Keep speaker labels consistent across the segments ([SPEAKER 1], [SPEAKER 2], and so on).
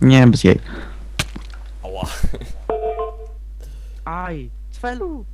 [SPEAKER 1] Nie, bez jej.
[SPEAKER 2] Ała.
[SPEAKER 1] Aj, Cfelu!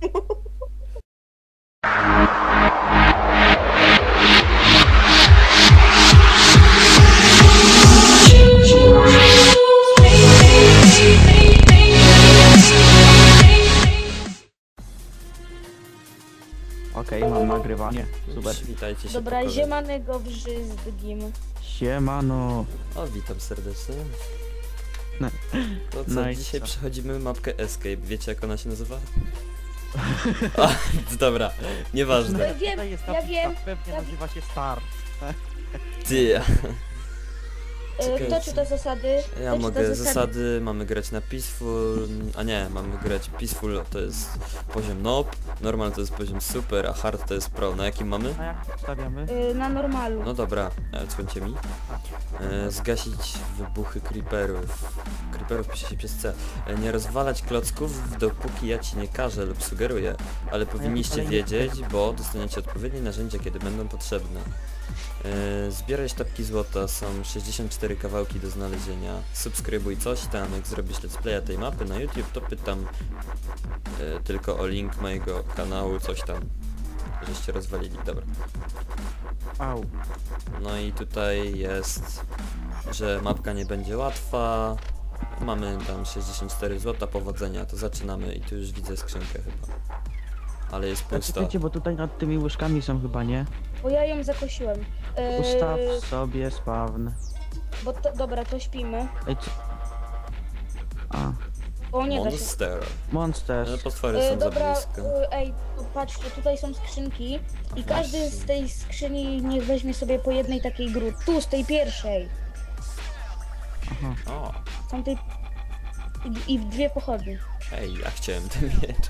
[SPEAKER 1] Okej, mam nagrywanie. Super.
[SPEAKER 2] Witajcie się.
[SPEAKER 3] Dobra,
[SPEAKER 2] pokoju.
[SPEAKER 3] ziemanego brzyzdgim.
[SPEAKER 1] Siemano.
[SPEAKER 2] O, witam serdecznie.
[SPEAKER 1] No.
[SPEAKER 2] No co,
[SPEAKER 1] No i
[SPEAKER 2] dzisiaj
[SPEAKER 1] co?
[SPEAKER 2] przechodzimy mapkę Escape. Wiecie jak ona się nazywa? A, dobra, nieważne.
[SPEAKER 3] Ja wiem,
[SPEAKER 1] Tutaj jest
[SPEAKER 3] ja
[SPEAKER 1] tabliczka,
[SPEAKER 3] wiem,
[SPEAKER 1] Pewnie
[SPEAKER 3] ja
[SPEAKER 1] nazywa się Start.
[SPEAKER 2] Ty. Czekajcie.
[SPEAKER 3] Kto czyta zasady?
[SPEAKER 2] Ja
[SPEAKER 3] Kto
[SPEAKER 2] mogę
[SPEAKER 3] czyta
[SPEAKER 2] zasady, mamy grać na Peaceful, a nie, mamy grać Peaceful to jest poziom Noob, Normal to jest poziom Super, a Hard to jest Pro. Na jakim mamy?
[SPEAKER 1] A jak stawiamy?
[SPEAKER 3] Na normalu.
[SPEAKER 2] No dobra, odsłońcie mi. Zgasić wybuchy creeperów. Creeperów pisze się przez C. Nie rozwalać klocków, dopóki ja ci nie każę lub sugeruję, ale powinniście
[SPEAKER 1] ale nie-
[SPEAKER 2] wiedzieć, bo dostaniecie odpowiednie narzędzia, kiedy będą potrzebne. Zbieraj sztabki złota, są 64 kawałki do znalezienia. Subskrybuj coś tam, jak zrobisz let's playa tej mapy na YouTube, to pytam tylko o link mojego kanału, coś tam, żeście rozwalili, dobra.
[SPEAKER 1] Au.
[SPEAKER 2] No i tutaj jest, że mapka nie będzie łatwa. Mamy tam 64 złota, powodzenia, to zaczynamy i tu już widzę skrzynkę chyba. Ale jest pusta.
[SPEAKER 1] Czekajcie, bo tutaj nad tymi łyżkami są chyba, nie?
[SPEAKER 3] Bo ja ją zakosiłem.
[SPEAKER 1] Ustaw sobie spawn.
[SPEAKER 3] Bo to, dobra, to śpimy.
[SPEAKER 1] Ej, co? A,
[SPEAKER 3] Bo nie da się.
[SPEAKER 2] Monster. Ale
[SPEAKER 1] Monsters.
[SPEAKER 2] potwory są za
[SPEAKER 3] Dobra,
[SPEAKER 2] blisko.
[SPEAKER 3] ej, patrzcie, tutaj są skrzynki i każdy z tej skrzyni niech weźmie sobie po jednej takiej tu, z tej pierwszej.
[SPEAKER 1] Aha.
[SPEAKER 2] O,
[SPEAKER 3] Są tej... I dwie pochodnie.
[SPEAKER 2] ej, ja chciałem ten miecz.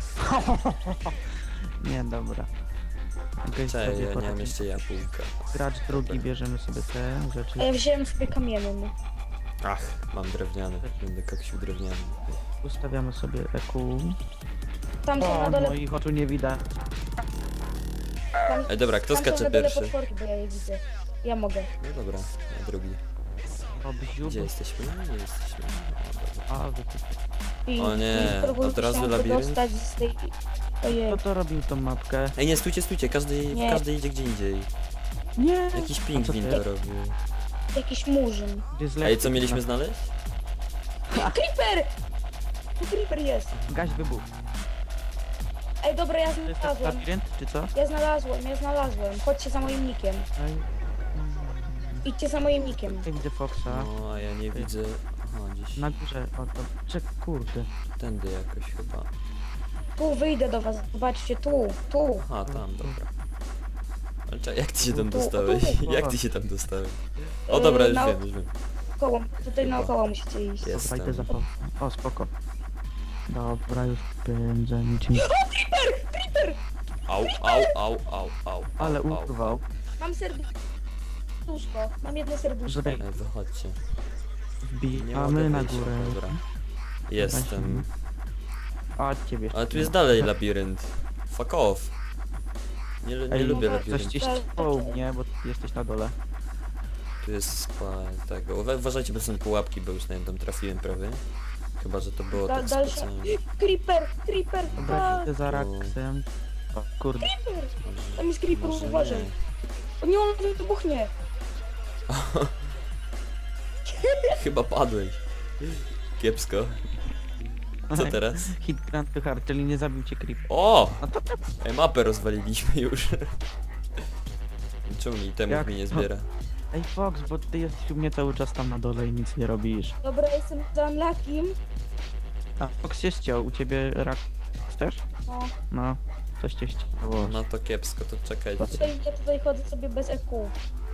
[SPEAKER 1] Nie, dobra. Okej,
[SPEAKER 2] Cześć,
[SPEAKER 1] sobie
[SPEAKER 2] ja nie mam
[SPEAKER 1] potem.
[SPEAKER 2] jeszcze jabłka.
[SPEAKER 1] Gracz drugi, bierzemy sobie te rzeczy.
[SPEAKER 3] A ja wziąłem sobie kamienny.
[SPEAKER 2] Ach, mam drewniany. Będę koksił drewniany.
[SPEAKER 1] Ustawiamy sobie EQ.
[SPEAKER 3] Tam są
[SPEAKER 1] O,
[SPEAKER 3] na dole...
[SPEAKER 1] moich oczu nie widać.
[SPEAKER 3] Tam,
[SPEAKER 2] Ej, dobra, kto
[SPEAKER 3] tam są
[SPEAKER 2] skacze
[SPEAKER 3] na dole
[SPEAKER 2] pierwszy?
[SPEAKER 3] potworki, bo ja je widzę. Ja mogę.
[SPEAKER 2] No dobra, ja drugi.
[SPEAKER 1] O, bziu,
[SPEAKER 2] Gdzie jesteśmy? Nie jesteśmy. O, dobra.
[SPEAKER 1] A, wy tu...
[SPEAKER 3] I,
[SPEAKER 2] O nie,
[SPEAKER 3] i próbuję
[SPEAKER 2] od razu
[SPEAKER 3] się
[SPEAKER 2] labirynt?
[SPEAKER 3] wydostać z tej... Ojej.
[SPEAKER 1] Kto to robił tą mapkę?
[SPEAKER 2] Ej, nie, stójcie, każdy
[SPEAKER 3] Nie.
[SPEAKER 2] idzie gdzie indziej.
[SPEAKER 1] Nie!
[SPEAKER 2] Jakiś
[SPEAKER 1] A co
[SPEAKER 2] pingwin
[SPEAKER 1] ty?
[SPEAKER 2] to robił.
[SPEAKER 3] Jakiś murzyn.
[SPEAKER 1] Gdzie z
[SPEAKER 2] Ej, co mieliśmy znaleźć?
[SPEAKER 3] Creeper! Tu creeper jest.
[SPEAKER 1] Gaś wybuch.
[SPEAKER 3] Ej, dobra, ja
[SPEAKER 1] To jest ten
[SPEAKER 3] znalazłem.
[SPEAKER 1] labirynt, czy co?
[SPEAKER 3] Ja znalazłem. Chodźcie za moim nikiem.
[SPEAKER 1] Ej,
[SPEAKER 3] Idźcie za moim nikiem.
[SPEAKER 1] ja widzę Foxa.
[SPEAKER 2] No, a ja nie widzę... Aha, gdzieś
[SPEAKER 1] Na górze, o to... Czek, kurde.
[SPEAKER 2] tędy jakoś chyba.
[SPEAKER 3] Tu wyjdę do was. Zobaczcie, tu.
[SPEAKER 2] Aha, tam, dobra. Ale czekaj, jak ty się tam
[SPEAKER 3] Tu,
[SPEAKER 2] dostałeś?
[SPEAKER 3] tu.
[SPEAKER 2] Jak ty się tam dostałeś? O dobra, już
[SPEAKER 3] na-
[SPEAKER 2] wiem, już wiem.
[SPEAKER 3] Koło. Tutaj
[SPEAKER 2] Chyba.
[SPEAKER 3] naokoło musicie iść.
[SPEAKER 2] Jest.
[SPEAKER 1] Dobra, idę za
[SPEAKER 2] Jestem.
[SPEAKER 1] Foxa. O, spoko. Dobra, już pędzę niczym.
[SPEAKER 2] Au.
[SPEAKER 1] Ale
[SPEAKER 2] au.
[SPEAKER 1] urwał.
[SPEAKER 3] Mam serduszko. Mam jedno serduszko.
[SPEAKER 1] Żeby
[SPEAKER 2] Ej, wychodźcie. Nie
[SPEAKER 1] wbijamy
[SPEAKER 2] mogę
[SPEAKER 1] na
[SPEAKER 2] wyjść,
[SPEAKER 1] górę.
[SPEAKER 2] dobra. Jestem.
[SPEAKER 1] A, ciebie.
[SPEAKER 2] Ale tu jest dalej labirynt. Fuck off. Nie
[SPEAKER 1] Ej,
[SPEAKER 2] lubię
[SPEAKER 3] no,
[SPEAKER 1] Coś
[SPEAKER 2] labiryntu.
[SPEAKER 1] ci ściął mnie, bo ty jesteś na dole.
[SPEAKER 2] Tu jest tego. Uważajcie, bo są pułapki, bo już na nie tam trafiłem prawie. Chyba, że to było tak
[SPEAKER 3] Dalsze.
[SPEAKER 2] specjalnie.
[SPEAKER 3] Creeper.
[SPEAKER 1] Dobra,
[SPEAKER 3] Tak.
[SPEAKER 1] idę za Raksem. O, kurde.
[SPEAKER 3] Tam jest creeper,
[SPEAKER 2] Może
[SPEAKER 3] uważaj.
[SPEAKER 2] nie.
[SPEAKER 3] O nie, on wybuchnie.
[SPEAKER 2] Chyba padłeś. Kiepsko. Co teraz?
[SPEAKER 1] Hit Grand to Hard, czyli nie zabił cię creep.
[SPEAKER 2] O!
[SPEAKER 1] No to
[SPEAKER 2] Ej, mapę rozwaliliśmy już. Czemu mi temów
[SPEAKER 1] Jak
[SPEAKER 2] mi nie
[SPEAKER 1] to?
[SPEAKER 2] zbiera?
[SPEAKER 1] Ej Fox, bo ty jesteś u mnie cały czas tam na dole i nic nie robisz.
[SPEAKER 3] Dobra, jestem za Unluckiem.
[SPEAKER 1] A Fox się ściął, u ciebie rak też?
[SPEAKER 3] No.
[SPEAKER 1] No, coś cię ścięło.
[SPEAKER 2] No to kiepsko, to czekajcie.
[SPEAKER 3] Ja tutaj chodzę sobie bez EQ.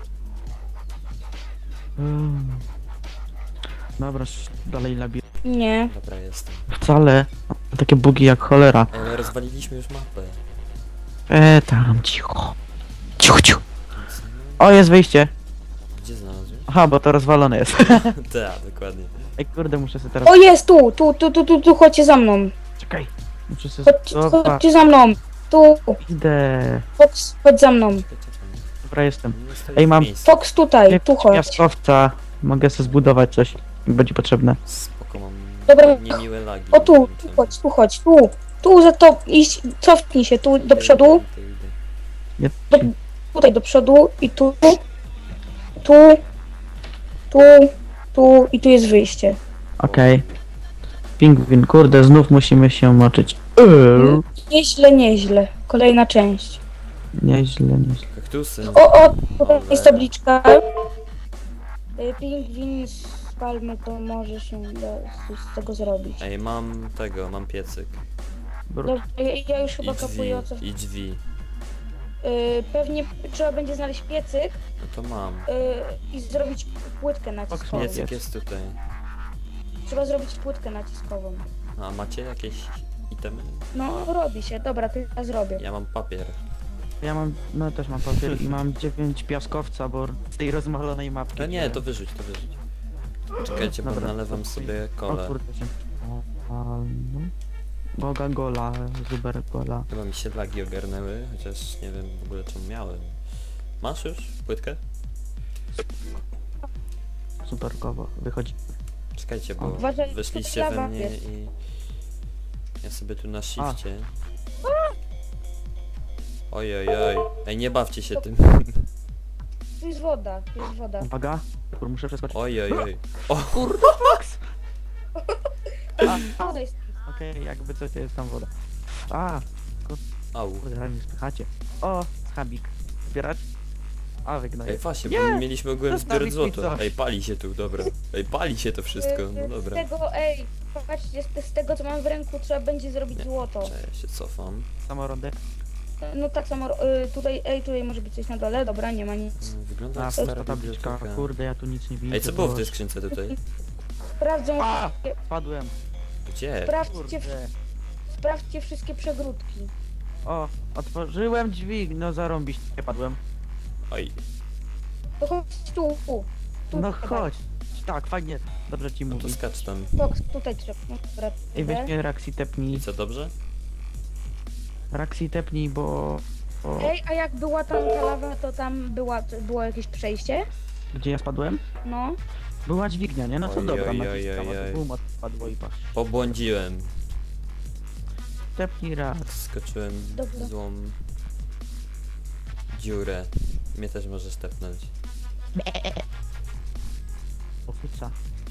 [SPEAKER 1] Dobra, dalej labirynt.
[SPEAKER 3] Nie.
[SPEAKER 2] Dobra, jestem.
[SPEAKER 1] Wcale. Takie bugi jak cholera.
[SPEAKER 2] Ej, ale rozwaliliśmy już mapę.
[SPEAKER 1] Tam, cicho. Cicho. O, jest wyjście.
[SPEAKER 2] Gdzie znalazłem?
[SPEAKER 1] Aha, bo to rozwalone jest.
[SPEAKER 2] Tak, dokładnie.
[SPEAKER 1] Ej, kurde, muszę sobie teraz...
[SPEAKER 3] O, jest tu, chodźcie za mną.
[SPEAKER 1] Czekaj. Muszę sobie...
[SPEAKER 3] Chodźcie za mną. Tu,
[SPEAKER 1] Idę.
[SPEAKER 3] Fox, chodź za mną.
[SPEAKER 2] Czekaj.
[SPEAKER 1] Dobra, jestem.
[SPEAKER 2] Nie stoi
[SPEAKER 1] Ej,
[SPEAKER 2] w
[SPEAKER 1] mam-
[SPEAKER 2] miejscu.
[SPEAKER 3] Fox tutaj, tu chodź.
[SPEAKER 1] Piaskowca. Mogę sobie zbudować coś. będzie potrzebne.
[SPEAKER 2] Spoko, mam
[SPEAKER 3] Dobra.
[SPEAKER 2] niemiłe lagi.
[SPEAKER 3] O tu,
[SPEAKER 2] nie wiem
[SPEAKER 3] tu
[SPEAKER 2] czemu.
[SPEAKER 3] chodź, tu chodź, tu. Tu za to iść, cofnij się tu do przodu.
[SPEAKER 1] Ja...
[SPEAKER 3] Tutaj do przodu i tu. Tu. Tu. Tu i tu jest wyjście.
[SPEAKER 1] Okej. Pingwin, kurde, znów musimy się moczyć.
[SPEAKER 3] Nieźle, nieźle. Kolejna część.
[SPEAKER 1] Nieźle, nieźle.
[SPEAKER 2] Kaktusy.
[SPEAKER 3] O, tutaj jest tabliczka. Pingwin z palmy, to może się da z tego zrobić.
[SPEAKER 2] Ej, mam tego, mam piecyk.
[SPEAKER 3] Dobra, ja już chyba
[SPEAKER 2] I drzwi,
[SPEAKER 3] kapuję o co.
[SPEAKER 2] i drzwi.
[SPEAKER 3] Pewnie trzeba będzie znaleźć piecyk
[SPEAKER 2] No to mam.
[SPEAKER 3] i zrobić płytkę naciskową.
[SPEAKER 2] Piecyk jest tutaj.
[SPEAKER 3] Trzeba zrobić płytkę naciskową.
[SPEAKER 2] A macie jakieś itemy?
[SPEAKER 3] No, robi się. Dobra, to ja zrobię.
[SPEAKER 2] Ja mam papier.
[SPEAKER 1] Ja mam, no też mam papier i mam 9 piaskowca, bo z tej rozmalonej mapki.
[SPEAKER 2] No nie, to wyrzuć, to wyrzuć. Czekajcie, bo
[SPEAKER 1] Dobra.
[SPEAKER 2] nalewam sobie
[SPEAKER 1] O
[SPEAKER 2] kole.
[SPEAKER 1] kurde się... no. Boga gola, zuber gola.
[SPEAKER 2] Chyba mi się lagi ogarnęły, chociaż nie wiem w ogóle czemu miałem. Masz już płytkę?
[SPEAKER 1] Superkowo, wychodzi.
[SPEAKER 2] Czekajcie, bo
[SPEAKER 3] Uważaj,
[SPEAKER 2] weszliście
[SPEAKER 3] tutaj
[SPEAKER 2] we
[SPEAKER 3] lawa
[SPEAKER 2] mnie
[SPEAKER 3] jest.
[SPEAKER 2] i... Ja sobie tu na shifcie. Oj, oj, oj. Ej, nie bawcie się tym.
[SPEAKER 3] Tu jest woda, tu jest woda.
[SPEAKER 1] Uwaga, kur, muszę przeskoczyć.
[SPEAKER 2] Oj, oj, oj. O,
[SPEAKER 3] Woda jest.
[SPEAKER 1] Okej, jakby coś to jest tam woda. A,
[SPEAKER 2] au.
[SPEAKER 1] kurde, ale mnie spychacie. O, schabik. Zbierać? A,
[SPEAKER 2] Ej,
[SPEAKER 1] wygnoję.
[SPEAKER 2] właśnie,
[SPEAKER 1] Nie!
[SPEAKER 2] bo mieliśmy ogółem zbierać
[SPEAKER 1] Zostawić mi
[SPEAKER 2] złoto.
[SPEAKER 1] coś.
[SPEAKER 2] Ej, pali się tu, dobra. Ej, pali się to wszystko, no
[SPEAKER 3] Z
[SPEAKER 2] dobra.
[SPEAKER 3] tego, patrzcie, z tego co mam w ręku trzeba będzie zrobić złoto.
[SPEAKER 2] Cześć, ja się cofam.
[SPEAKER 1] Samorodek.
[SPEAKER 3] No tak samo, tutaj może być coś na dole, dobra, nie ma nic.
[SPEAKER 2] Wygląda
[SPEAKER 1] A,
[SPEAKER 2] jak
[SPEAKER 1] to
[SPEAKER 2] stara
[SPEAKER 1] tabliczka.
[SPEAKER 2] biblioteka.
[SPEAKER 1] Kurde, ja tu nic nie widzę.
[SPEAKER 2] Ej, co było w tej
[SPEAKER 1] Boże.
[SPEAKER 2] skrzynce tutaj?
[SPEAKER 3] Sprawdzą,
[SPEAKER 1] A! Spadłem.
[SPEAKER 2] Gdzie?
[SPEAKER 3] sprawdźcie,
[SPEAKER 1] Kurde.
[SPEAKER 3] sprawdźcie wszystkie przegródki.
[SPEAKER 1] O, otworzyłem drzwi, no zarąbiście padłem.
[SPEAKER 2] Oj,
[SPEAKER 3] To chodź tu.
[SPEAKER 1] No
[SPEAKER 3] trzeba.
[SPEAKER 1] chodź. Tak, fajnie. Dobrze ci
[SPEAKER 2] no to
[SPEAKER 1] mówi.
[SPEAKER 2] skacz tam.
[SPEAKER 3] Fox, tutaj trzeba. No, dobra,
[SPEAKER 1] Ej, weź
[SPEAKER 3] idę.
[SPEAKER 1] mnie Raxi tepnij.
[SPEAKER 2] I co, dobrze?
[SPEAKER 1] Raxi tepnij, bo...
[SPEAKER 3] Ej, a jak była tam ta lawa, to tam było jakieś przejście?
[SPEAKER 1] Gdzie ja spadłem?
[SPEAKER 3] No.
[SPEAKER 1] Była dźwignia, nie? No to
[SPEAKER 2] Oj,
[SPEAKER 1] dobra,
[SPEAKER 2] oj,
[SPEAKER 1] naciskam,
[SPEAKER 2] oj,
[SPEAKER 1] a
[SPEAKER 2] oj.
[SPEAKER 1] to boom, spadło i patrz.
[SPEAKER 2] Pobłądziłem.
[SPEAKER 1] Tepnij raz.
[SPEAKER 2] Skoczyłem
[SPEAKER 3] Dobra.
[SPEAKER 2] w złą dziurę. Mnie też możesz tepnąć.
[SPEAKER 1] Ofuca.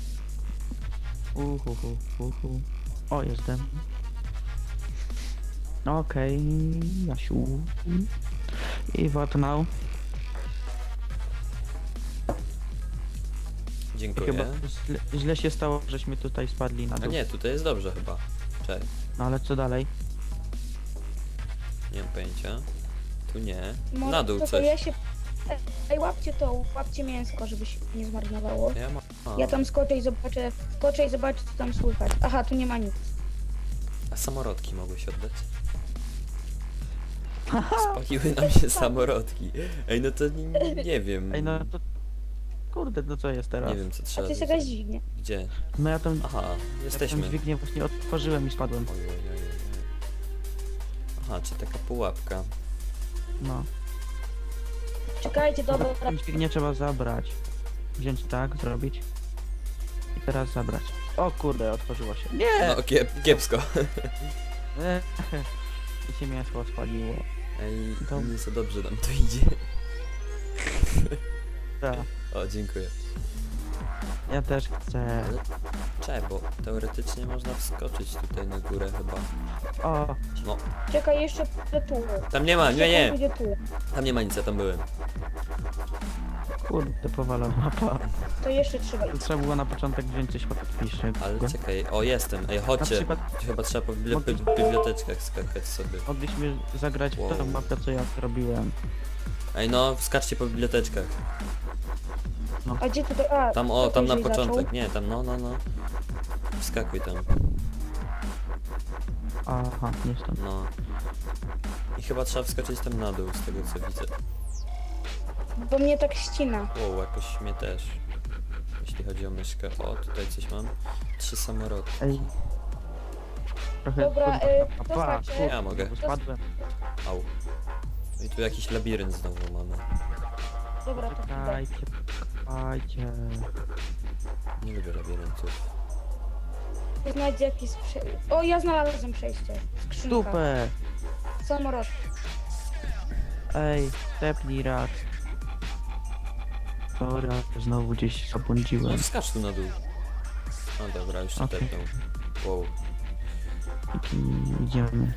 [SPEAKER 1] Uhu. O, jestem. Okej, Jasiu. I what now?
[SPEAKER 2] Dziękuję.
[SPEAKER 1] Chyba źle się stało, żeśmy tutaj spadli na
[SPEAKER 2] A
[SPEAKER 1] dół.
[SPEAKER 2] nie, tutaj jest dobrze chyba. Cześć.
[SPEAKER 1] No ale co dalej?
[SPEAKER 2] Nie mam pojęcia. Tu nie.
[SPEAKER 3] Może
[SPEAKER 2] Na dół
[SPEAKER 3] to
[SPEAKER 2] coś.
[SPEAKER 3] Ja się... Ej, łapcie mięsko, żeby się nie zmarnowało.
[SPEAKER 2] Ja mam.
[SPEAKER 3] Ja tam skoczę i zobaczę, co tam słychać. Aha, tu nie ma nic.
[SPEAKER 2] A samorodki mogłeś oddać? Spaliły nam się samorodki. Ej, no to nie wiem.
[SPEAKER 1] Ej, no to... Kurde, no co jest teraz?
[SPEAKER 2] Nie wiem co
[SPEAKER 3] A
[SPEAKER 2] trzeba.
[SPEAKER 3] to jest
[SPEAKER 2] zrobić.
[SPEAKER 3] jakaś dźwignia.
[SPEAKER 2] Gdzie?
[SPEAKER 1] No ja tą,
[SPEAKER 2] Aha,
[SPEAKER 1] ja
[SPEAKER 2] jesteśmy.
[SPEAKER 1] tą dźwignię właśnie otworzyłem i spadłem.
[SPEAKER 2] Oj, oj, oj, oj. Aha, czy taka pułapka.
[SPEAKER 1] No.
[SPEAKER 3] Czekajcie, dobra.
[SPEAKER 1] Tą dźwignię trzeba zabrać. Wziąć tak, zrobić. I teraz zabrać. O kurde, otworzyło się. Nie!
[SPEAKER 2] No, kiepsko.
[SPEAKER 1] I się mięsko spaliło.
[SPEAKER 2] Ej,
[SPEAKER 1] To-
[SPEAKER 2] nie za dobrze nam to idzie.
[SPEAKER 1] Tak.
[SPEAKER 2] O, dziękuję.
[SPEAKER 1] Ja też chcę.
[SPEAKER 2] Ale czekaj, bo teoretycznie można wskoczyć tutaj na górę chyba.
[SPEAKER 1] O,
[SPEAKER 2] No,
[SPEAKER 3] Czekaj, jeszcze pójdę tu.
[SPEAKER 2] tam nie ma, nie.
[SPEAKER 3] Pójdę tu.
[SPEAKER 2] Tam nie ma nic, ja tam byłem.
[SPEAKER 1] kurde, powalona mapa.
[SPEAKER 3] To jeszcze trzeba.
[SPEAKER 1] Trzeba było na początek wziąć coś podpiszę.
[SPEAKER 2] Ale czekaj, o jestem, ej chodźcie.
[SPEAKER 1] Na przykład-
[SPEAKER 2] Chyba trzeba po
[SPEAKER 1] Mogli-
[SPEAKER 2] biblioteczkach skakać sobie.
[SPEAKER 1] Mogliśmy zagrać
[SPEAKER 2] Wow.
[SPEAKER 1] w tą mapę, co ja zrobiłem.
[SPEAKER 2] Ej no, skaczcie po biblioteczkach.
[SPEAKER 3] A gdzie tutaj? A,
[SPEAKER 2] Tam,
[SPEAKER 3] to
[SPEAKER 2] o, tam na
[SPEAKER 3] później
[SPEAKER 2] początek,
[SPEAKER 3] zaczął.
[SPEAKER 2] nie, tam, no. Wskakuj tam,
[SPEAKER 1] Aha, nie stąd.
[SPEAKER 2] no. I chyba trzeba wskoczyć tam na dół, z tego co widzę.
[SPEAKER 3] Bo mnie tak ścina.
[SPEAKER 2] Wow, jakoś mnie też. Jeśli chodzi o myszkę. O, tutaj coś mam. 3 samorodki.
[SPEAKER 1] Ej. Trochę...
[SPEAKER 3] Dobra,
[SPEAKER 1] kurde,
[SPEAKER 3] to znaczy-
[SPEAKER 2] Ja mogę.
[SPEAKER 1] Spadłem.
[SPEAKER 2] Au. I tu jakiś labirynt znowu mamy.
[SPEAKER 3] Dobra, to idę.
[SPEAKER 1] Czekajcie. Ajcie.
[SPEAKER 2] Nie lubię labiryntów.
[SPEAKER 3] Znajdzie jakieś O, ja znalazłem przejście. Skrzynka.
[SPEAKER 1] Super!
[SPEAKER 3] Samolot.
[SPEAKER 1] Ej, tepnij rak. Dobra, znowu gdzieś
[SPEAKER 2] No
[SPEAKER 1] zabłądziłem.
[SPEAKER 2] skacz tu na dół. No dobra, już się
[SPEAKER 1] Okej.
[SPEAKER 2] tepnął. Wow.
[SPEAKER 1] I idziemy.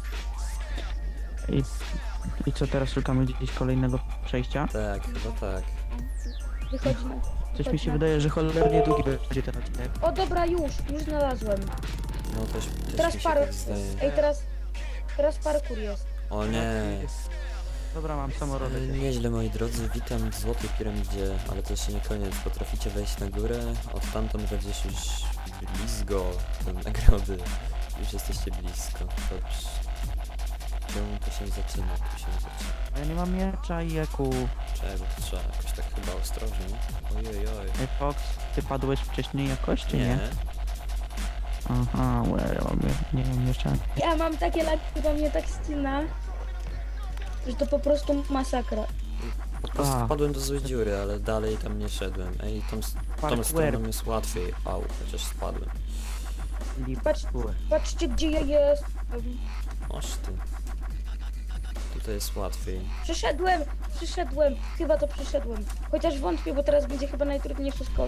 [SPEAKER 1] I co teraz, szukamy gdzieś kolejnego przejścia?
[SPEAKER 2] Tak, chyba tak.
[SPEAKER 3] Wychodzi na...
[SPEAKER 1] Coś mi się wydaje, że cholernie długi będzie ten odcinek.
[SPEAKER 3] O, dobra, już znalazłem.
[SPEAKER 2] No też
[SPEAKER 3] Teraz
[SPEAKER 2] mi się tak zdaje.
[SPEAKER 3] Ej, teraz parkour jest.
[SPEAKER 2] O nie.
[SPEAKER 1] Dobra, mam samorodek.
[SPEAKER 2] Nieźle moi drodzy, witam w Złotej Piramidzie, ale to jeszcze nie koniec. Potraficie wejść na górę, odtamtąd będziesz już blisko do nagrody. Już jesteście blisko. Dobrze. Czemu to się zaczyna? Tu się zaczyna.
[SPEAKER 1] Ja nie mam miecza i eku.
[SPEAKER 2] Czego to trzeba jakoś tak chyba ostrożnie. Ojej.
[SPEAKER 1] Ej, Fox, ty padłeś wcześniej jakoś, czy nie?
[SPEAKER 2] Nie.
[SPEAKER 1] Aha, ja mam, nie mam miecza.
[SPEAKER 3] Ja mam takie laki, do mnie tak ścina, że to po prostu masakra.
[SPEAKER 2] Po prostu
[SPEAKER 1] A.
[SPEAKER 2] wpadłem do złej dziury, ale dalej tam nie szedłem. Ej, tą
[SPEAKER 1] Parkour.
[SPEAKER 2] stroną jest łatwiej. Au, chociaż spadłem.
[SPEAKER 3] Patrzcie, gdzie ja jestem.
[SPEAKER 2] Oż ty. Tutaj jest łatwiej.
[SPEAKER 3] Przyszedłem. Chyba to przyszedłem. Chociaż wątpię, bo teraz będzie chyba najtrudniejszy skok.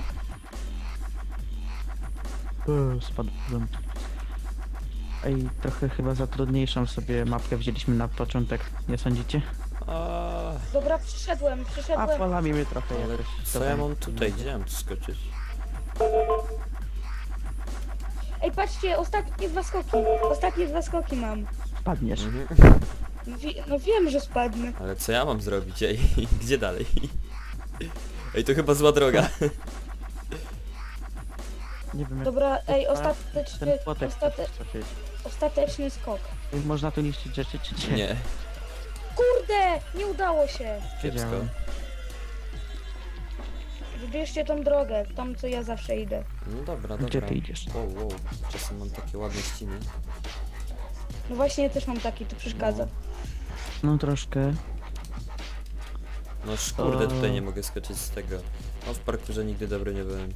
[SPEAKER 1] Spadłem. Ej, trochę chyba za trudniejszą sobie mapkę wzięliśmy na początek, nie sądzicie?
[SPEAKER 3] Dobra, przyszedłem.
[SPEAKER 1] A falami mnie trochę
[SPEAKER 2] Ale
[SPEAKER 1] jakoś.
[SPEAKER 2] co ja mam tutaj? Gdzie mam tu skoczyć?
[SPEAKER 3] Ej, patrzcie, ostatnie dwa skoki mam.
[SPEAKER 1] Spadniesz.
[SPEAKER 3] No wiem, że spadnę.
[SPEAKER 2] Ale co ja mam zrobić? Ej, gdzie dalej? Ej, to chyba zła droga.
[SPEAKER 1] Nie wiem jak
[SPEAKER 3] Dobra, ej,
[SPEAKER 1] ten płotek trafić.
[SPEAKER 3] ostateczny skok.
[SPEAKER 1] Można tu niszczyć rzeczy, czy nie?
[SPEAKER 2] Nie,
[SPEAKER 3] Kurde, nie udało się.
[SPEAKER 2] kiepsko.
[SPEAKER 1] Wiedziałem.
[SPEAKER 3] Wybierzcie tą drogę, tam co ja zawsze idę.
[SPEAKER 2] No dobra,
[SPEAKER 1] Gdzie
[SPEAKER 2] dobra.
[SPEAKER 1] ty idziesz?
[SPEAKER 2] Wow. Czasem mam takie ładne ściny.
[SPEAKER 3] No właśnie, ja też mam taki, to przeszkadza.
[SPEAKER 1] No troszkę.
[SPEAKER 2] No kurde, tutaj
[SPEAKER 1] O.
[SPEAKER 2] nie mogę skoczyć z tego. No w parkurze nigdy dobry nie byłem.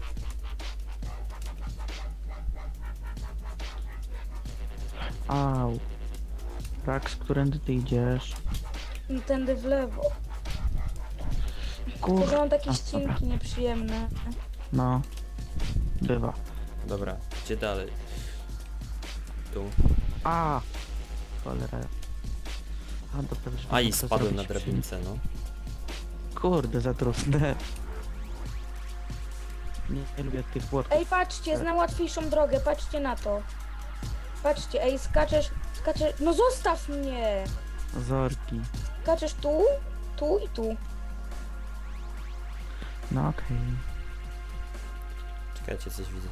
[SPEAKER 1] Au. Rax, którędy ty idziesz?
[SPEAKER 3] No tędy w lewo.
[SPEAKER 1] Kur...
[SPEAKER 3] Tylko, że mam takie
[SPEAKER 1] A,
[SPEAKER 3] ścinki nieprzyjemne.
[SPEAKER 1] No. Bywa.
[SPEAKER 2] Dobra, gdzie dalej? Tu.
[SPEAKER 1] A! Cholera. A, dobra, że
[SPEAKER 2] A i
[SPEAKER 1] mogę to
[SPEAKER 2] spadłem na
[SPEAKER 1] zrobić
[SPEAKER 2] drabince, no.
[SPEAKER 1] Kurde, za trudne. Nie lubię tych płotków.
[SPEAKER 3] Ej, patrzcie, znam łatwiejszą drogę, patrzcie na to. Patrzcie, ej, skaczesz, no zostaw mnie!
[SPEAKER 1] Zorki.
[SPEAKER 3] Skaczesz tu i tu.
[SPEAKER 1] No okej.
[SPEAKER 2] Czekajcie, coś widzę.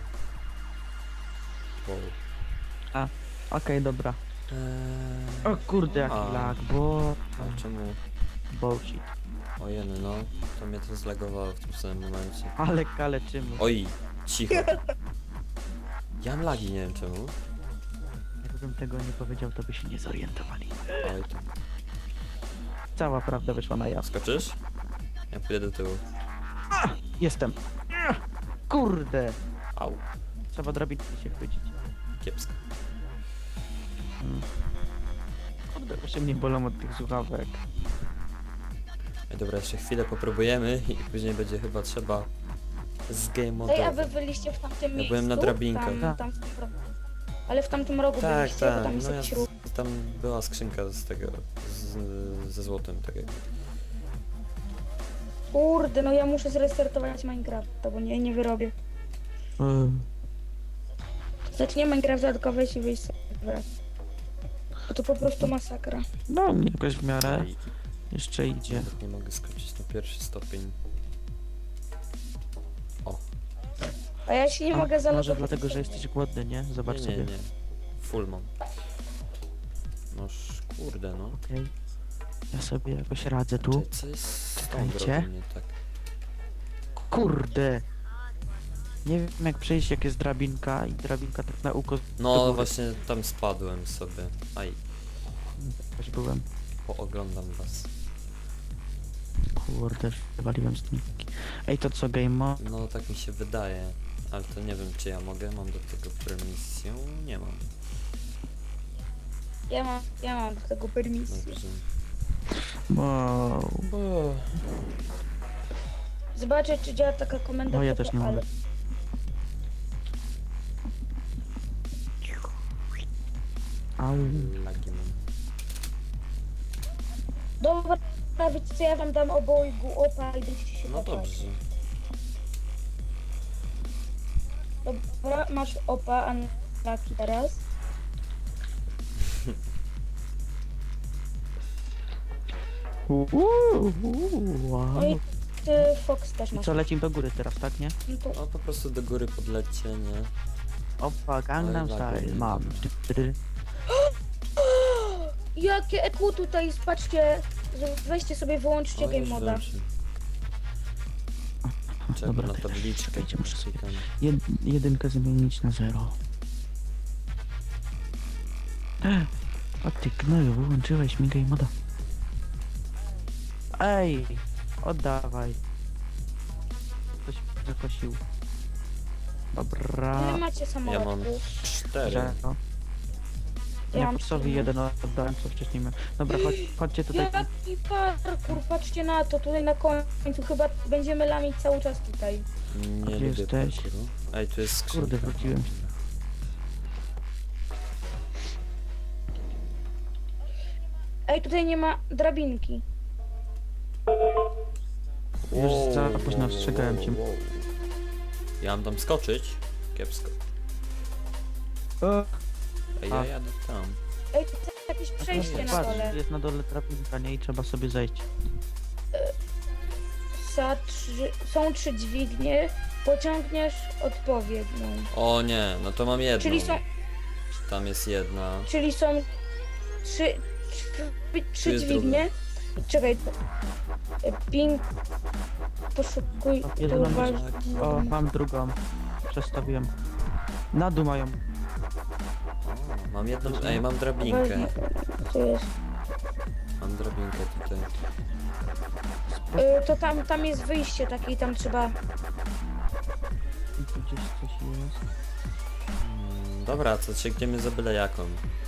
[SPEAKER 2] Wow.
[SPEAKER 1] Okej, dobra. O kurde, jaki
[SPEAKER 2] A.
[SPEAKER 1] lag, bo...
[SPEAKER 2] A czemu?
[SPEAKER 1] Bullshit.
[SPEAKER 2] Ojeny, no. To mnie to zlagowało w tym samym momencie.
[SPEAKER 1] Ale kaleczymy.
[SPEAKER 2] Oj, cicho. Ja mam lagi, nie wiem czemu.
[SPEAKER 1] Jakbym tego nie powiedział, to by się nie zorientowali.
[SPEAKER 2] Oj, to...
[SPEAKER 1] Cała prawda wyszła na jaw.
[SPEAKER 2] Skoczysz? Ja pójdę do tyłu.
[SPEAKER 1] Jestem. Kurde.
[SPEAKER 2] Au,
[SPEAKER 1] Trzeba drabinki się chwycić.
[SPEAKER 2] kiepsko.
[SPEAKER 1] Kurde, się mnie bolą od tych słuchawek.
[SPEAKER 2] Ej, dobra, jeszcze chwilę popróbujemy i później będzie chyba trzeba z game
[SPEAKER 3] Ej, a
[SPEAKER 2] modowy.
[SPEAKER 3] wy byliście w tamtym miejscu?
[SPEAKER 2] byłem na drabinkach.
[SPEAKER 3] Tam w tym ale w tamtym rogu
[SPEAKER 2] Tak,
[SPEAKER 3] byliście, bo
[SPEAKER 2] tak,
[SPEAKER 3] tam jest
[SPEAKER 2] no ja,
[SPEAKER 3] jakiś ruch.
[SPEAKER 2] tam była skrzynka z tego, ze złotem, tak jakby.
[SPEAKER 3] Kurde, no ja muszę zrestartować Minecrafta, bo nie wyrobię. Zacznie Minecrafta tylko wejść i wyjść sobie. Bo to po prostu masakra.
[SPEAKER 1] No, jakoś w miarę.
[SPEAKER 2] Ej,
[SPEAKER 1] Jeszcze idzie.
[SPEAKER 2] nawet nie mogę skoczyć na pierwszy stopień.
[SPEAKER 3] A ja się nie mogę
[SPEAKER 1] Może
[SPEAKER 3] zalogować.
[SPEAKER 1] dlatego, że jesteś głodny, nie? Zobacz
[SPEAKER 2] Nie,
[SPEAKER 1] sobie.
[SPEAKER 2] nie. Full mam. Noż, kurde, no.
[SPEAKER 1] Okej. Ja sobie jakoś radzę tu.
[SPEAKER 2] Czekaj, co jest z tą
[SPEAKER 1] Czekajcie.
[SPEAKER 2] drogą nie tak?
[SPEAKER 1] Kurde. Nie wiem jak przejść, jak jest drabinka i drabinka tak na uko do
[SPEAKER 2] No
[SPEAKER 1] góry.
[SPEAKER 2] właśnie tam spadłem sobie. Aj,
[SPEAKER 1] Też byłem.
[SPEAKER 2] pooglądam was.
[SPEAKER 1] Kurde, wywaliłem stroniki. Ej, to co, game mode?
[SPEAKER 2] No tak mi się wydaje. Ale to nie wiem czy ja mogę, mam do tego permisję? Nie mam.
[SPEAKER 3] Ja mam do tego permisję.
[SPEAKER 2] Dobrze.
[SPEAKER 1] Wow.
[SPEAKER 3] Zobaczę, czy działa taka komenda.
[SPEAKER 1] No ja
[SPEAKER 3] typu
[SPEAKER 1] też nie mogę. Au.
[SPEAKER 2] Lagi mam.
[SPEAKER 3] Dobra, wiecie co, ja wam dam obojgu opa i będziecie się
[SPEAKER 2] No
[SPEAKER 3] kopać.
[SPEAKER 2] dobrze.
[SPEAKER 3] Dobra, masz opa, a nie laki teraz.
[SPEAKER 1] Wow.
[SPEAKER 3] No i ty Fox też
[SPEAKER 1] I
[SPEAKER 3] masz.
[SPEAKER 1] co, lecimy do góry teraz, tak, nie?
[SPEAKER 3] No to
[SPEAKER 2] No po prostu do góry podlećcie, nie?
[SPEAKER 1] Opa, Gangnam
[SPEAKER 2] Ale laguje.
[SPEAKER 1] Style, mam.
[SPEAKER 3] jakie EQ tutaj, patrzcie, weźcie sobie, wyłączcie
[SPEAKER 2] O,
[SPEAKER 3] game
[SPEAKER 2] już
[SPEAKER 3] moda.
[SPEAKER 2] wyłączyłem. Czekaj
[SPEAKER 1] Dobra,
[SPEAKER 2] na
[SPEAKER 1] teraz
[SPEAKER 2] tabliczkę.
[SPEAKER 1] czekajcie, muszę sobie
[SPEAKER 2] Tam.
[SPEAKER 1] jedynkę zmienić na 0. O ty gnoju, wyłączyłeś mi game moda. Ej, oddawaj. Ktoś zakosił. Dobra.
[SPEAKER 3] Ile macie
[SPEAKER 2] Ja mam
[SPEAKER 3] samolotów?
[SPEAKER 2] 4.
[SPEAKER 1] Zero.
[SPEAKER 3] Ja
[SPEAKER 1] Ja
[SPEAKER 3] mam
[SPEAKER 1] Foxowi
[SPEAKER 3] cztery.
[SPEAKER 1] jeden oddałem, co wcześniej miałem. Dobra, chodźcie tutaj.
[SPEAKER 3] Jaki parkour, patrzcie na to, tutaj na końcu chyba będziemy lamić cały czas tutaj.
[SPEAKER 2] Nie
[SPEAKER 1] Gdzie
[SPEAKER 2] lubię
[SPEAKER 1] jesteś?
[SPEAKER 2] parkouru. Ej, tu jest skrzynka.
[SPEAKER 1] Kurde, wróciłem.
[SPEAKER 3] Ej, tutaj nie ma drabinki.
[SPEAKER 1] Już za późno ostrzegałem cię.
[SPEAKER 2] Ja mam tam skoczyć? Kiepsko. Ej, ja
[SPEAKER 1] A.
[SPEAKER 2] jadę tam.
[SPEAKER 3] Ej, to jest jakieś przejście na
[SPEAKER 1] Patrz,
[SPEAKER 3] dole.
[SPEAKER 1] jest na dole drabinka, nie? I trzeba sobie zejść.
[SPEAKER 3] Są 3 dźwignie, pociągniesz odpowiednią.
[SPEAKER 2] O nie, no to mam jedną. Tam jest jedna.
[SPEAKER 3] Czyli są 3
[SPEAKER 2] Tu jest
[SPEAKER 3] dźwignie. Czekaj, ping, poszukuj,
[SPEAKER 1] O, jedyną
[SPEAKER 3] uważ-
[SPEAKER 1] O, mam drugą. Przestawiłem. Na dół mają.
[SPEAKER 2] O, mam jedną. Ej, mam drabinkę.
[SPEAKER 3] Co jest?
[SPEAKER 2] Mam drabinkę tutaj.
[SPEAKER 3] To tam jest wyjście takie i tam trzeba...
[SPEAKER 1] I tu gdzieś coś jest.
[SPEAKER 2] Dobra, co sięgniemy za byle jaką.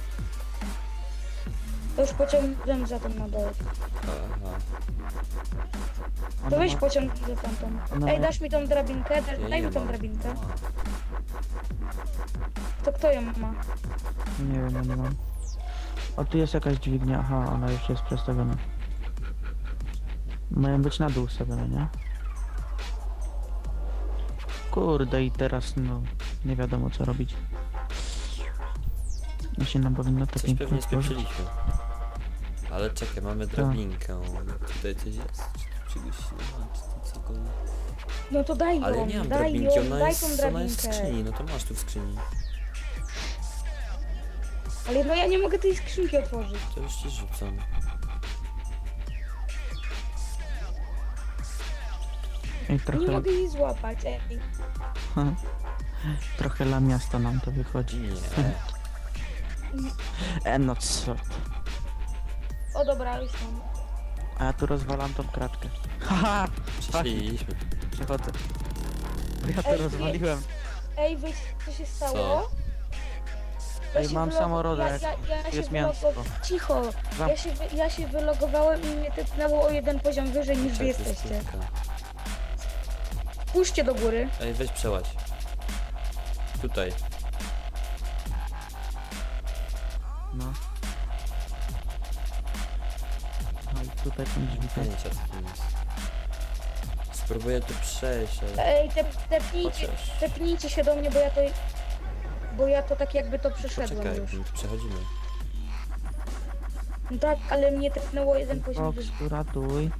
[SPEAKER 3] To już pociągnąłem za tą na dole.
[SPEAKER 2] Aha.
[SPEAKER 1] Ona
[SPEAKER 3] To weź
[SPEAKER 1] ma-
[SPEAKER 3] pociągnij za tamtą.
[SPEAKER 1] Ona
[SPEAKER 3] Ej,
[SPEAKER 1] ma-
[SPEAKER 3] dasz mi tą drabinkę?
[SPEAKER 2] Ja
[SPEAKER 3] Daj
[SPEAKER 2] nie
[SPEAKER 3] mi tą
[SPEAKER 2] mam.
[SPEAKER 3] drabinkę.
[SPEAKER 2] A.
[SPEAKER 3] To kto ją ma?
[SPEAKER 1] Nie wiem, ja nie mam. O, tu jest jakaś dźwignia. Aha, ona już jest przestawiona. Mają być na dół ustawione, nie? Kurde, i teraz no nie wiadomo co robić. Jeśli nam powinno to
[SPEAKER 2] Coś
[SPEAKER 1] pięknie
[SPEAKER 2] pewnie
[SPEAKER 1] otworzyć.
[SPEAKER 2] spieprzyliśmy. Ale czekaj, mamy drabinkę. Tutaj coś jest? Czy czegoś nie ma? Czy to cokolwiek?
[SPEAKER 3] No to daj ją,
[SPEAKER 2] Ale ja nie mam
[SPEAKER 3] daj
[SPEAKER 2] drabinki,
[SPEAKER 3] ją,
[SPEAKER 2] ona
[SPEAKER 3] daj
[SPEAKER 2] jest,
[SPEAKER 3] tą
[SPEAKER 2] ona jest w
[SPEAKER 3] drabinkę.
[SPEAKER 2] skrzyni, no to masz tu w skrzyni.
[SPEAKER 3] Ale no ja nie mogę tej skrzynki otworzyć.
[SPEAKER 2] To już ci rzucam.
[SPEAKER 1] Ej,
[SPEAKER 3] Nie
[SPEAKER 1] trochę,
[SPEAKER 3] mogę jej złapać, ej.
[SPEAKER 1] trochę dla miasta nam to wychodzi.
[SPEAKER 2] Nie.
[SPEAKER 1] No co?
[SPEAKER 3] O dobra, już mam.
[SPEAKER 1] A ja tu rozwalam tą kratkę. Haha!
[SPEAKER 2] Przeszliśmy.
[SPEAKER 1] Przechodzę. Ja to
[SPEAKER 3] Ej,
[SPEAKER 1] rozwaliłem.
[SPEAKER 3] Ej, wiesz co się stało? Ja
[SPEAKER 1] Ej,
[SPEAKER 3] się
[SPEAKER 1] mam samorodek.
[SPEAKER 3] Ja się
[SPEAKER 1] Jest mięsko.
[SPEAKER 3] Cicho. Ja się wylogowałem i mnie tepnęło o jeden poziom wyżej niż wy
[SPEAKER 2] Czekaj, to jest
[SPEAKER 3] jesteście.
[SPEAKER 2] krótka.
[SPEAKER 3] Puśćcie do góry.
[SPEAKER 2] Ej, weź przeładź. Tutaj.
[SPEAKER 1] No. No i tutaj są drzwi.
[SPEAKER 2] Pojęcia co tym jest. Spróbuję tu przejść, ale...
[SPEAKER 3] Ej,
[SPEAKER 2] Chociaż...
[SPEAKER 3] tepnijcie się do mnie, bo ja to tak jakby to przeszedłem
[SPEAKER 2] Poczekaj,
[SPEAKER 3] już.
[SPEAKER 2] my tu przechodzimy.
[SPEAKER 3] No tak, ale mnie tepnęło jeden poziom
[SPEAKER 1] Fox,
[SPEAKER 3] wyżej.
[SPEAKER 1] uratuj.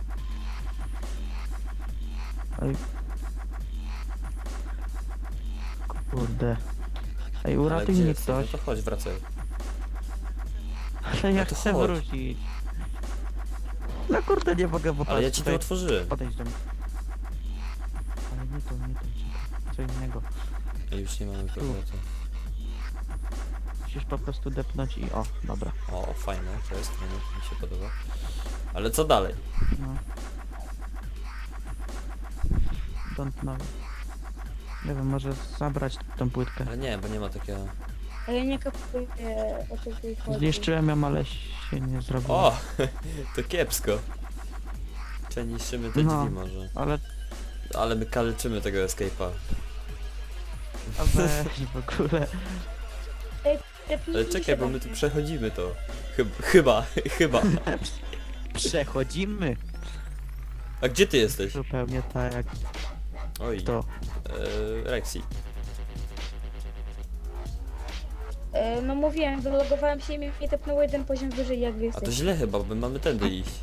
[SPEAKER 1] Ej. Kurde. Ej,
[SPEAKER 2] Ale
[SPEAKER 1] uratuj
[SPEAKER 2] gdzie
[SPEAKER 1] mnie
[SPEAKER 2] jesteś?
[SPEAKER 1] ktoś.
[SPEAKER 2] No to chodź, wracaj.
[SPEAKER 1] Ale ja
[SPEAKER 2] No to
[SPEAKER 1] chcę
[SPEAKER 2] chodź.
[SPEAKER 1] wrócić. No kurde, nie mogę po
[SPEAKER 2] Ale ja
[SPEAKER 1] prostu
[SPEAKER 2] ci to
[SPEAKER 1] tutaj
[SPEAKER 2] otworzyłem.
[SPEAKER 1] podejść do mnie. Ale nie to, czekaj. Co innego.
[SPEAKER 2] Ej, już nie mamy powrotu.
[SPEAKER 1] Musisz po prostu depnąć i o, dobra.
[SPEAKER 2] O, fajne, to jest, fajne, to mi się podoba. Ale co dalej?
[SPEAKER 1] No. don't know. Nie wiem, może zabrać tą płytkę.
[SPEAKER 2] Ale nie, bo nie ma takiego...
[SPEAKER 3] A ja nie kapuję, o co tu chodzi.
[SPEAKER 1] Zniszczyłem ją, ale się nie zrobiło.
[SPEAKER 2] O! To kiepsko. Czy niszczymy te
[SPEAKER 1] No.
[SPEAKER 2] drzwi może?
[SPEAKER 1] Ale
[SPEAKER 2] Ale my kaleczymy tego escape'a.
[SPEAKER 1] a weź w ogóle.
[SPEAKER 2] Ale czekaj, bo my tu przechodzimy to. Chyba.
[SPEAKER 1] Przechodzimy.
[SPEAKER 2] A gdzie ty jesteś?
[SPEAKER 1] Zupełnie tak jak
[SPEAKER 2] Oj,
[SPEAKER 1] to.
[SPEAKER 2] Rexy.
[SPEAKER 3] No mówiłem, wylogowałem się i mnie tepnęło jeden poziom wyżej, jak wy
[SPEAKER 2] A to
[SPEAKER 3] jesteście.
[SPEAKER 2] źle chyba, bo my mamy tędy iść.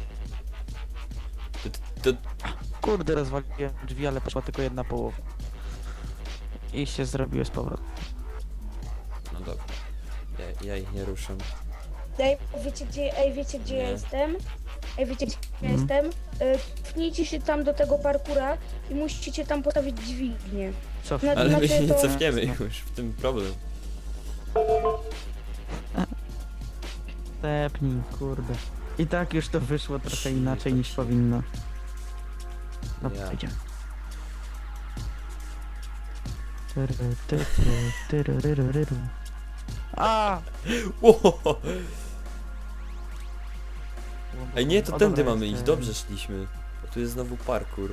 [SPEAKER 2] To
[SPEAKER 1] Kurde, rozwaliłem drzwi, ale poszła tylko jedna połowa. I się zrobiły z powrotem.
[SPEAKER 2] no dobra. Ja ich nie ruszę.
[SPEAKER 3] Wiecie gdzie
[SPEAKER 2] Nie.
[SPEAKER 3] ja jestem? Wiecie gdzie ja
[SPEAKER 1] Mhm.
[SPEAKER 3] jestem? Pchnijcie się tam do tego parkura i musicie tam postawić dźwignię.
[SPEAKER 1] Co?
[SPEAKER 3] No,
[SPEAKER 2] Ale my
[SPEAKER 3] znaczy
[SPEAKER 2] się nie
[SPEAKER 3] to-
[SPEAKER 2] cofniemy już, w tym problem.
[SPEAKER 1] Tepnij, kurde. I tak już to wyszło trochę inaczej niż powinno. No,
[SPEAKER 2] Ja.
[SPEAKER 1] idziemy. Tyryryryryryryryryryryry. A!
[SPEAKER 2] Ło! Ej nie, to
[SPEAKER 1] O,
[SPEAKER 2] tędy
[SPEAKER 1] dobra,
[SPEAKER 2] mamy
[SPEAKER 1] jest,
[SPEAKER 2] iść, dobrze szliśmy. Bo tu jest znowu parkour.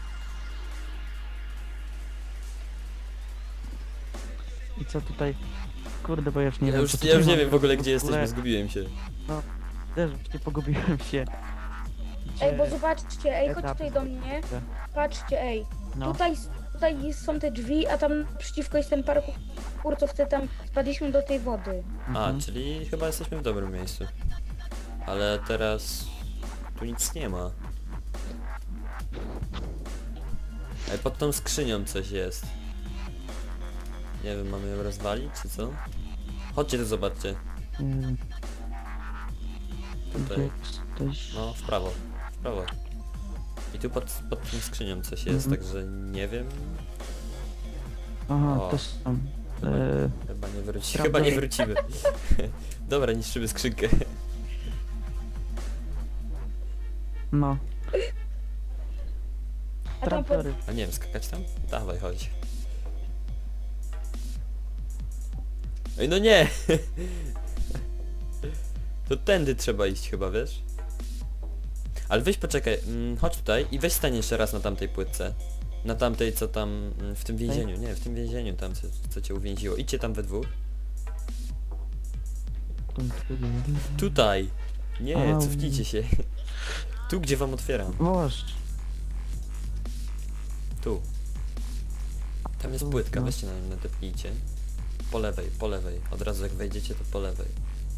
[SPEAKER 1] I co tutaj? Kurde, bo ja już nie
[SPEAKER 2] Ja
[SPEAKER 1] wiem.
[SPEAKER 2] już,
[SPEAKER 1] co
[SPEAKER 2] ja już
[SPEAKER 1] tutaj
[SPEAKER 2] nie
[SPEAKER 1] mam
[SPEAKER 2] wiem w ogóle gdzie
[SPEAKER 1] w ogóle.
[SPEAKER 2] jesteśmy, zgubiłem się.
[SPEAKER 1] Też nie pogubiłem się.
[SPEAKER 3] Ej, bo
[SPEAKER 1] Gdzie-
[SPEAKER 3] zobaczcie, chodź
[SPEAKER 1] etapy
[SPEAKER 3] tutaj do mnie.
[SPEAKER 1] Gdzie?
[SPEAKER 3] Patrzcie,
[SPEAKER 1] No.
[SPEAKER 3] tutaj są te drzwi, a tam przeciwko jest ten parkour, co wtedy tam spadliśmy do tej wody.
[SPEAKER 2] A,
[SPEAKER 1] Mhm.
[SPEAKER 2] czyli chyba jesteśmy w dobrym miejscu. Ale teraz... Tu nic nie ma. Ej, pod tą skrzynią coś jest. Nie wiem, mamy ją rozwalić, czy co? Chodźcie tu, zobaczcie.
[SPEAKER 1] Nie wiem, gdzie
[SPEAKER 2] Tutaj.
[SPEAKER 1] jesteś?
[SPEAKER 2] No, w prawo. W prawo. I tu pod tą skrzynią coś jest,
[SPEAKER 1] Mhm.
[SPEAKER 2] także nie wiem.
[SPEAKER 1] Aha,
[SPEAKER 2] O.
[SPEAKER 1] to są.
[SPEAKER 2] Chyba,
[SPEAKER 1] E,
[SPEAKER 2] chyba nie wrócimy.
[SPEAKER 1] prawda.
[SPEAKER 2] Chyba nie wrócimy. Dobra, niszczymy skrzynkę.
[SPEAKER 1] no.
[SPEAKER 3] A tam pod...
[SPEAKER 1] Traktory.
[SPEAKER 2] A nie wiem, skakać tam? Dawaj, chodź. Ej, no nie! To tędy trzeba iść chyba, wiesz? Ale weź poczekaj, chodź tutaj i weź stań jeszcze raz na tamtej płytce. Na tamtej, co tam, w tym więzieniu, nie, w tym więzieniu tam, co cię uwięziło. Idźcie tam we dwóch. Tutaj! Nie,
[SPEAKER 1] Au.
[SPEAKER 2] cofnijcie się. Tu, gdzie wam otwieram.
[SPEAKER 1] Boż.
[SPEAKER 2] Tu. Tam jest
[SPEAKER 1] Tu,
[SPEAKER 2] płytka,
[SPEAKER 1] no.
[SPEAKER 2] weźcie na nią nadepnijcie. Po lewej, po lewej. Od razu jak wejdziecie, to po lewej.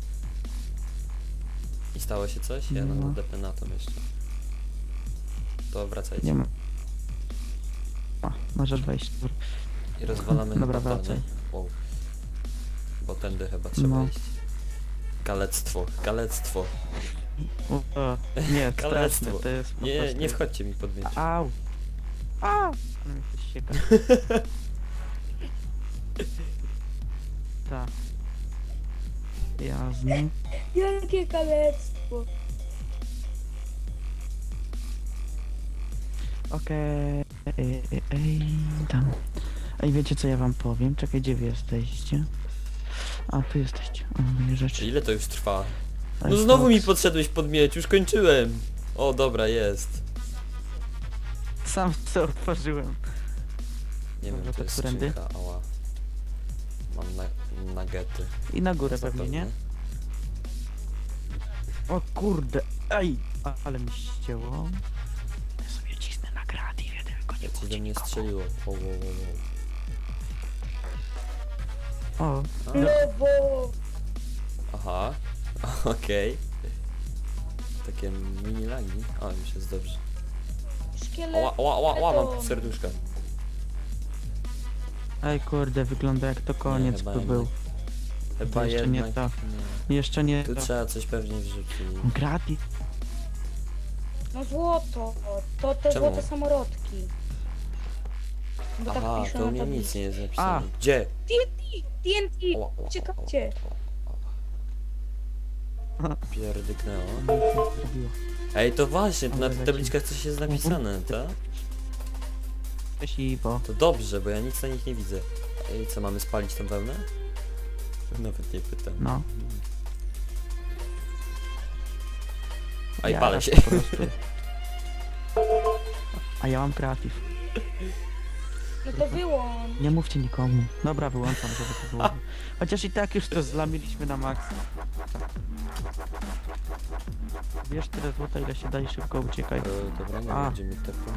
[SPEAKER 2] I stało się coś? Ja
[SPEAKER 1] No.
[SPEAKER 2] nadepnę na to jeszcze. To wracajcie.
[SPEAKER 1] Nie ma. A, możesz wejść.
[SPEAKER 2] I rozwalamy
[SPEAKER 1] Dobra,
[SPEAKER 2] chyba to,
[SPEAKER 1] wracaj.
[SPEAKER 2] nie? Wow. Bo tędy chyba trzeba
[SPEAKER 1] No.
[SPEAKER 2] iść. Kalectwo, kalectwo.
[SPEAKER 1] O, nie, straszne,
[SPEAKER 2] Kalectwo.
[SPEAKER 1] to jest po
[SPEAKER 2] Nie,
[SPEAKER 1] prostu...
[SPEAKER 2] nie wchodźcie mi pod miecz.
[SPEAKER 1] Au! A! Ale mnie coś sieka. Tak. Jasne.
[SPEAKER 3] Jakie kalectwo.
[SPEAKER 1] Okej. Tam. Ej, wiecie co ja wam powiem? Czekaj, gdzie wy jesteście? A, tu jesteście. O, moje rzeczy.
[SPEAKER 2] Ile to już trwa? No
[SPEAKER 1] Ej,
[SPEAKER 2] znowu mi
[SPEAKER 1] Fox.
[SPEAKER 2] podszedłeś pod miecz, już kończyłem. O, dobra, jest.
[SPEAKER 1] Sam co otworzyłem.
[SPEAKER 2] Nie
[SPEAKER 1] Dobra,
[SPEAKER 2] wiem, to
[SPEAKER 1] to
[SPEAKER 2] jest
[SPEAKER 1] którędy?
[SPEAKER 2] skrzynka, ała. Mam nagety.
[SPEAKER 1] I na górę pewnie, nie? O kurde, ej! Ale mi ścięło. Ja sobie cisnę na kreatywie, tylko nie
[SPEAKER 2] Coś do mnie strzeliło. O, o, o,
[SPEAKER 1] O,
[SPEAKER 2] o.
[SPEAKER 3] Lewo.
[SPEAKER 2] Aha, okej. Takie mini lagi. O, już jest dobrze.
[SPEAKER 3] Szkielet.
[SPEAKER 2] Mam serduszka.
[SPEAKER 1] ej kurde, wygląda jak to koniec
[SPEAKER 2] chyba
[SPEAKER 1] by
[SPEAKER 2] nie.
[SPEAKER 1] był.
[SPEAKER 2] Chyba
[SPEAKER 1] jeszcze nie
[SPEAKER 2] jednak
[SPEAKER 1] to.
[SPEAKER 2] nie.
[SPEAKER 1] Jeszcze nie
[SPEAKER 2] Tu
[SPEAKER 1] to.
[SPEAKER 2] trzeba coś pewnie wrzucić.
[SPEAKER 1] Gratis.
[SPEAKER 3] No złoto. To te
[SPEAKER 2] Czemu?
[SPEAKER 3] złote samorodki. Bo
[SPEAKER 2] Aha,
[SPEAKER 3] tak pisze
[SPEAKER 2] to u
[SPEAKER 3] na
[SPEAKER 2] mnie nic
[SPEAKER 3] tablicy.
[SPEAKER 2] nie jest napisane.
[SPEAKER 1] A.
[SPEAKER 2] Gdzie?
[SPEAKER 3] TNT!
[SPEAKER 2] Ła, ła,
[SPEAKER 3] Uciekajcie.
[SPEAKER 2] Pierdyknęło.
[SPEAKER 1] Zrobiło.
[SPEAKER 2] Ej, to właśnie, to na
[SPEAKER 1] Ale
[SPEAKER 2] tych
[SPEAKER 1] leci.
[SPEAKER 2] tabliczkach coś jest napisane, tak?
[SPEAKER 1] krzesiwo.
[SPEAKER 2] To dobrze, bo ja nic na nich nie widzę. Ej, co, mamy spalić tą wełnę? Nawet nie pytam.
[SPEAKER 1] No.
[SPEAKER 2] A i
[SPEAKER 1] Ja
[SPEAKER 2] palę
[SPEAKER 1] raz
[SPEAKER 2] się.
[SPEAKER 1] po prostu. A ja mam kreatyw.
[SPEAKER 3] No to wyłącz.
[SPEAKER 1] Nie mówcie nikomu. Dobra, wyłączam, żeby to było. Chociaż i tak już to zlamiliśmy na maks. Wiesz tyle złota, ile się daje, szybko uciekaj.
[SPEAKER 2] Dobra, nie
[SPEAKER 1] A.
[SPEAKER 2] będzie mi tepu.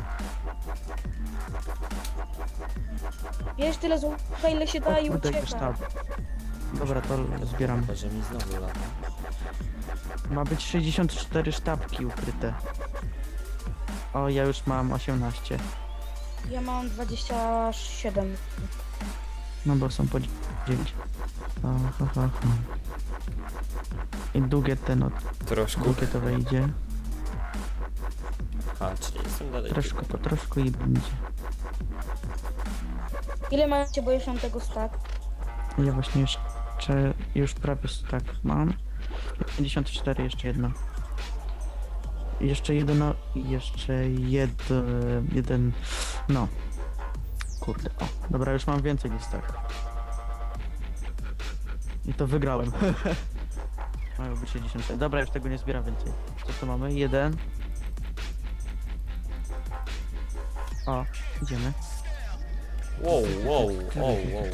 [SPEAKER 3] Wiesz tyle złota, ile się da i
[SPEAKER 1] Kurde,
[SPEAKER 3] ucieka.
[SPEAKER 1] już tam. Dobra, to zbieram.
[SPEAKER 2] Chyba, że mi znowu lata.
[SPEAKER 1] Ma być 64 sztabki ukryte. O, ja już mam 18.
[SPEAKER 3] Ja mam 27.
[SPEAKER 1] No bo są po 9. I długie ten od
[SPEAKER 2] Troszkę.
[SPEAKER 1] długie to wejdzie.
[SPEAKER 2] A, czyli jestem dalej.
[SPEAKER 1] Troszkę po troszkę i będzie.
[SPEAKER 3] Ile macie, bo już mam tego stack?
[SPEAKER 1] Ja właśnie jeszcze już prawie tak mam. 54 jeszcze jedno. Jeszcze jedno, jeden, no. Kurde, o, dobra, już mam więcej niż tak. I to wygrałem. Mają być 60. Dobra, już tego nie zbieram więcej. Co tu mamy? Jeden. O, idziemy.
[SPEAKER 2] Wow, wow, wow, wow.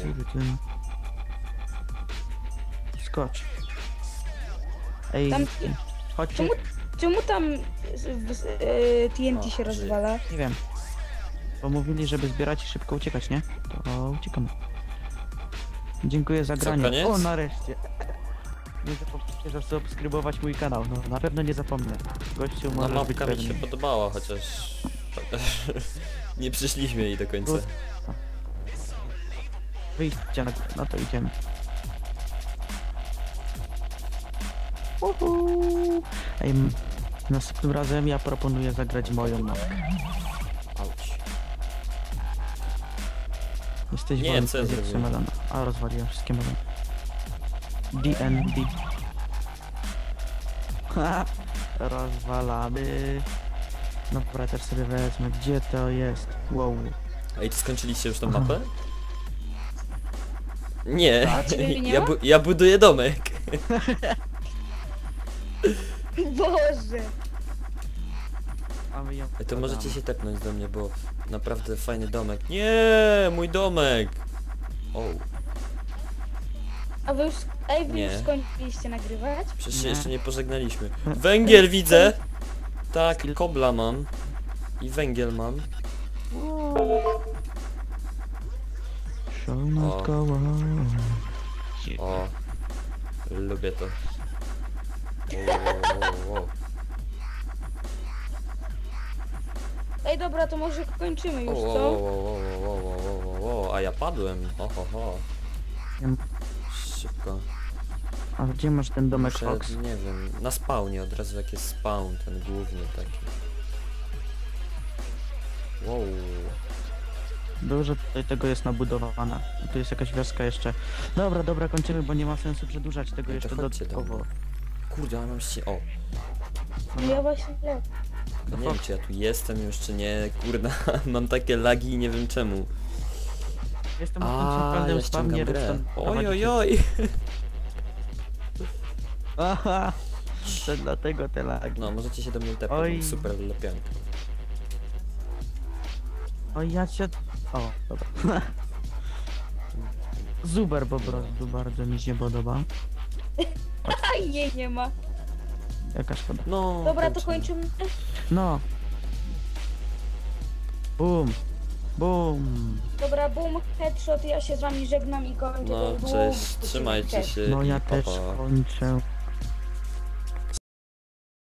[SPEAKER 1] Skocz. Ej,
[SPEAKER 3] Tam-
[SPEAKER 1] chodźcie.
[SPEAKER 3] Czemu tam TNT
[SPEAKER 2] O,
[SPEAKER 3] się
[SPEAKER 2] żyje.
[SPEAKER 3] rozwala?
[SPEAKER 1] Nie wiem. Bo mówili, żeby zbierać i szybko uciekać, nie? To uciekamy. Dziękuję za
[SPEAKER 2] Co,
[SPEAKER 1] granie.
[SPEAKER 2] koniec?
[SPEAKER 1] O, nareszcie. Nie zapomnijcie, że subskrybować mój kanał. No, na pewno nie zapomnę. Gościu
[SPEAKER 2] No
[SPEAKER 1] może być
[SPEAKER 2] mapka mi się
[SPEAKER 1] pewny.
[SPEAKER 2] podobała, chociaż nie przyszliśmy jej do końca.
[SPEAKER 1] Good. Wyjście na górę. No to idziemy. Uhu. Ej, następnym razem ja proponuję zagrać moją mapkę.
[SPEAKER 2] Auć.
[SPEAKER 1] Jesteś
[SPEAKER 2] Nie,
[SPEAKER 1] wolny,
[SPEAKER 2] co ja
[SPEAKER 1] zjedz
[SPEAKER 2] zrobiłem?
[SPEAKER 1] melona. A, rozwaliłem wszystkie melony. DND. Ha, rozwalamy. No dobra, też sobie wezmę. Gdzie to jest? Wow.
[SPEAKER 2] Ej, czy skończyliście już tą
[SPEAKER 1] Aha.
[SPEAKER 2] mapę? Nie,
[SPEAKER 3] A ciebie nie ma?
[SPEAKER 2] ja buduję domek.
[SPEAKER 3] Boże!
[SPEAKER 1] A my ją
[SPEAKER 2] Ej, to
[SPEAKER 1] wkładamy.
[SPEAKER 2] możecie się tepnąć do mnie, bo naprawdę fajny domek. Nie, mój domek! O,
[SPEAKER 3] A wy już, wy
[SPEAKER 2] Nie.
[SPEAKER 3] już skończyliście nagrywać?
[SPEAKER 2] przecież się
[SPEAKER 1] Nie.
[SPEAKER 2] jeszcze nie pożegnaliśmy. Węgiel widzę! Tak, kobla mam. I węgiel mam.
[SPEAKER 1] Show must
[SPEAKER 2] O.
[SPEAKER 1] go on.
[SPEAKER 2] O, lubię to. Wow.
[SPEAKER 3] Ej, dobra, to może kończymy już, co?
[SPEAKER 2] Wow, a ja padłem. Ho.
[SPEAKER 1] Wiem.
[SPEAKER 2] Szybko.
[SPEAKER 1] A gdzie masz ten domek
[SPEAKER 2] Muszę,
[SPEAKER 1] Fox?
[SPEAKER 2] nie wiem, na spawnie od razu jak jest spawn, ten główny taki. Wow.
[SPEAKER 1] Dużo tutaj tego jest nabudowane. Tu jest jakaś wioska jeszcze. Dobra, kończymy, bo nie ma sensu przedłużać tego
[SPEAKER 2] No to
[SPEAKER 1] jeszcze
[SPEAKER 2] chodźcie do
[SPEAKER 1] dodatkowo.
[SPEAKER 2] mnie. Kurde, ale mam się... O,
[SPEAKER 3] No ja właśnie nie.
[SPEAKER 2] no nie wiem czy ja tu jestem już czy nie, kurna, mam takie lagi i nie wiem czemu.
[SPEAKER 1] Jestem na tym
[SPEAKER 2] A,
[SPEAKER 1] centralnym
[SPEAKER 2] ja ściągam
[SPEAKER 1] spawnie,
[SPEAKER 2] grę.
[SPEAKER 1] redstone prowadzi się.
[SPEAKER 2] Oj.
[SPEAKER 1] Aha, to dlatego te lagi.
[SPEAKER 2] No, możecie się do mnie tepać,
[SPEAKER 1] Oj.
[SPEAKER 2] mam super lepiankę.
[SPEAKER 1] O, ja cię... O, dobra. Super po prostu, bardzo mi się podoba.
[SPEAKER 3] A jej nie ma.
[SPEAKER 1] Jaka szkoda.
[SPEAKER 2] No,
[SPEAKER 3] Dobra, to
[SPEAKER 2] kończymy.
[SPEAKER 3] kończymy.
[SPEAKER 1] No. Bum.
[SPEAKER 3] Dobra, boom, headshot, ja się z wami żegnam i kończę.
[SPEAKER 2] No,
[SPEAKER 3] ten długi
[SPEAKER 2] cześć,
[SPEAKER 3] odcinek.
[SPEAKER 2] trzymajcie
[SPEAKER 3] Cześć.
[SPEAKER 2] się
[SPEAKER 1] No ja
[SPEAKER 2] i pa,
[SPEAKER 1] też
[SPEAKER 2] pa.
[SPEAKER 1] kończę.